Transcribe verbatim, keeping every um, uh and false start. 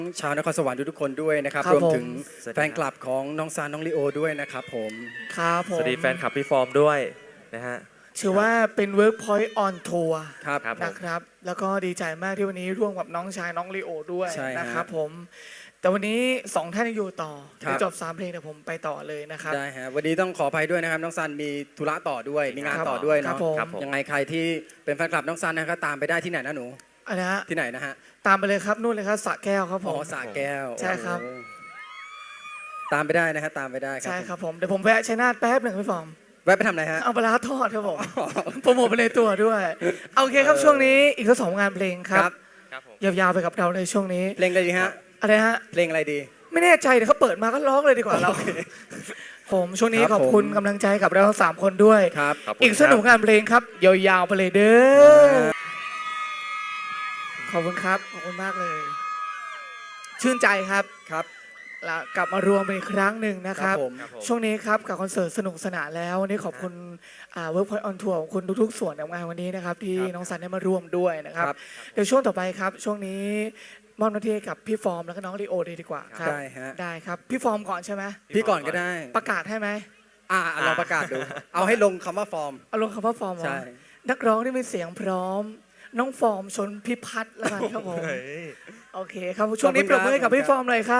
ชาวนครสวรรค์ทุกๆคนด้วยนะครับครับรวมถึงผมแฟนคลับของน้องซานน้องลิโอด้วยนะครับผมครับผมสวัสดีแฟนคลับพี่ฟอร์มด้วยนะฮะถือว่าเป็น Workpoint on Tour ครับครับนะครับ แล้วก็ดีใจมากที่วันนี้ร่วมกับน้องชายน้องลีโอด้วยใช่ฮะนะครับผม แต่วันนี้สองท่านยังอยู่ต่อครับเดี๋ยวจบสามเพลงเดี๋ยวผมไปต่อเลยนะครับได้ฮะวันนี้ต้องขออภัยด้วยนะครับน้องซันมีธุระต่อด้วยมีงานครับต่อด้วยครัเนาะบผมครับผมยังไงใครที่เป็นแฟนคลับน้องซันนะครับตามไปได้ที่ไหนนะหนูอันนะฮะที่ไหนนะฮะตามไปเลยครับนู่นเลยครับสระแก้วครับผอ๋อมสระแก้วใช่ครับโอ้ตามไปได้นะครับตามไปได้ครับใช่ครับผมเดี๋ยวผมแวะชัยนาทแป๊บหนึ่งพี่ฟอร์มแวะไปทำอะไรฮะเอาปลาร้าทอดครับผมโปรโมทไปในตัวด้วยโอเคครับช่วงนี้อีกสักสองงานเพลงครับครับผมยาวๆไปกับเราในช่วงนี้เพลงอะไรดีฮะอะไรฮะเพลงอะไรดีไม่แน่ใจเดี๋ยวเขาเปิดมาก็ร้องเลยดีกว่าเรา ผมช่วงนี้ครับขอบคุณผมกำลังใจกับเราทั้งสามคนด้วยครับขอบคุณอีกสนุกครับงานเพลงครับยาวๆไปเลยเด้อขอบคุณครับขอบคุณมากเลย ชื่นใจครับครับแล้วกลับมารวมเป็นอีกครั้งหนึ่งนะครับผมครับผมช่วงนี้ครับกับคอนเสิร์ตสนุกสนานแล้ววันนี้ขอบคุณอ่า Workpoint on Tour ของคุณทุกๆ ส่วนของงานวันนี้นะครับที่ครับน้องสันได้มาร่วมด้วยนะครับครับเดี๋ยวช่วงต่อไปครับ ช่วงนี้มอบหน้าที่ให้กับพี่ฟอร์มแล้วก็น้องลีโอเลยดีกว่าครับได้ฮะได้ครับพี่ฟอร์มก่อนใช่ไหมพี่ก่อนก็ได้ประกาศให้ไหมอ่าลองประกาศดู เอาให้ลงคำว่าฟอร์มเอาลงคำว่าฟอร์มเหรอใช่นักร้องที่มีเสียงพร้อม น้องฟอร์มชนพิพัฒน์แล้วกันครับผม โอเคครับช่วงนี้ปรบมือให้กับพี่ฟอร์มเลยครับ